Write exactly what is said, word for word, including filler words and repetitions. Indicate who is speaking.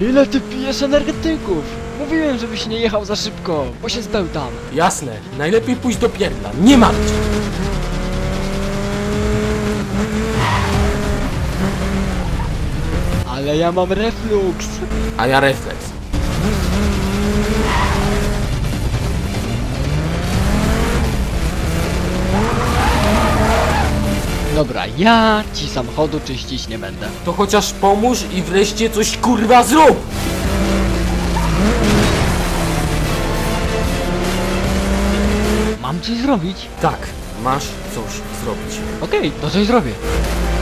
Speaker 1: Ile ty pijesz energetyków? Mówiłem, żebyś nie jechał za szybko, bo się zbełtam.
Speaker 2: Jasne, najlepiej pójść do pierdla, nie martw się.
Speaker 1: Ale ja mam refluks.
Speaker 2: A ja refleks.
Speaker 1: Dobra, ja ci samochodu czyścić nie będę.
Speaker 2: To chociaż pomóż i wreszcie coś kurwa zrób!
Speaker 1: Mam coś zrobić?
Speaker 2: Tak, masz coś zrobić.
Speaker 1: Okej, to coś zrobię.